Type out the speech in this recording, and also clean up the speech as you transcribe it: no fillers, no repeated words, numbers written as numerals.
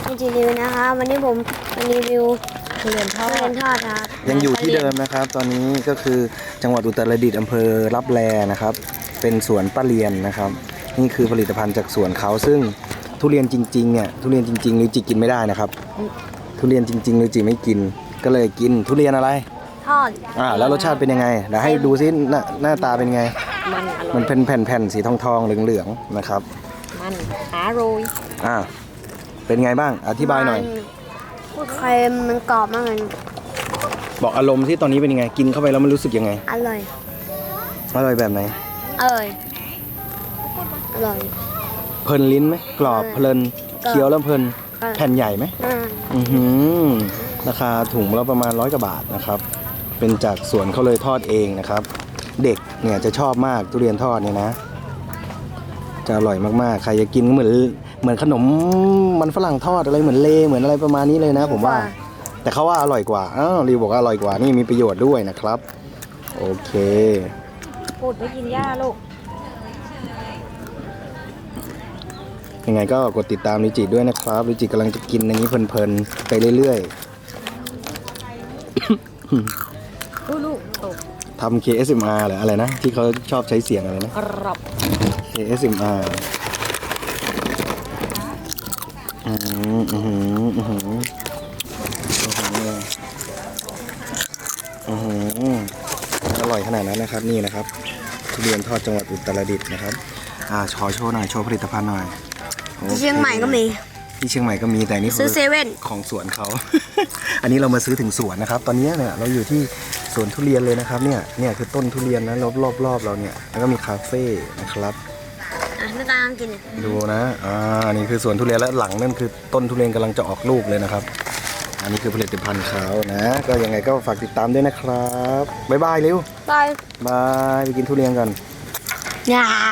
ไม่จีรีวิวนะคะวันนี้ผมมารีวิวทุเรียนทอทุเรียดนทอดครับยังอยู่ที่เดิมนะครับ ตอนนี้ก็คือจังหวัดอุตรดิตถ์อำเภอรับแลนะครับ เป็นสวนป้าเรียนนะครับ นี่คือผลิตภัณฑ์จากสวนเขาซึ่งทุเรียนจริงๆเนี่ยทุเรียนจริงๆลิวจิกินไม่ได้นะครับ ทุเรียนจริงๆลิวจิไม่กิน ก็เลยกินทุเรียนอะไรทอดแล้วรสชาติเป็นยังไงเดี๋ยวให้ดูซิหน้าตาเป็นไงมันอร่อยมันเป็นแผ่นๆสีทองๆเหลืองๆนะครับมันอร่อยเป็นไงบ้างอธิบายหน่อยมันเค็มมันกรอบมากเลยบอกอารมณ์ที่ตอนนี้เป็นยังไงกินเข้าไปแล้วมันรู้สึกยังไงอร่อยอร่อยแบบไหนอร่อยอร่อยเพลินลิ้นไหมกรอบเพลินกรอบเคี้ยวแล้วเพลินกรอบแผ่นใหญ่ไหมอ่าราคาถุงละประมาณ100 กว่าบาทนะครับ เป็นจากสวนเขาเลยทอดเองนะครับ เด็กเนี่ยจะชอบมากทุเรียนทอดเนี่ยนะ จะอร่อยมากๆใครจะกินก็เหมือนขนมมันฝรั่งทอดอะไรเหมือนเลเหมือนอะไรประมาณนี้เลยนะ ผมว่า แต่เขาว่าอร่อยกว่ารีวบอกว่าอร่อยกว่านี่มีประโยชน์ด้วยนะครับ โอเคพูดไปกินหญ้าลูกยังไงก็กดติดตามลิจิด้วยนะครับลิจิกำลังจะกินอย่างนี้เพลินๆไปเรื่อยๆลูกตกทำ KSMR หรืออะไรนะที่เขาชอบใช้เสียงอะไรนะกรอบ KSMR อร่อยขนาดนั้นนะครับนี่นะครับทุเรียนทอดจังหวัดอุตรดิตถ์นะครับโชว์หน่อยโชว์ผลิตภัณฑ์หน่อยโอคที่เชียงใหม่ก็มีที่เชียงใหม่ก็มีแต่นี่ซื้อเซเว่นของสวนเขา อันนี้เรามาซื้อถึงสวนนะครับ ตอนนี้เนี่ยเราอยู่ที่สวนทุเรียนเลยนะครับเนี่ยคือต้นทุเรียนนะรอบเราเนี่ยแล้วก็มีคาเฟ่นะครับไม่กล้ากินดูนะนี่คือสวนทุเรียนและหลังนั่นคือต้นทุเรียนกำลังจะออกลูกเลยนะครับ อันนี้คือผลิตภัณฑ์เขานะ ก็ยังไงก็ฝากติดตามด้วยนะครับบ๊ายบายเร็วบายบายไปกินทุเรียนกันอย่า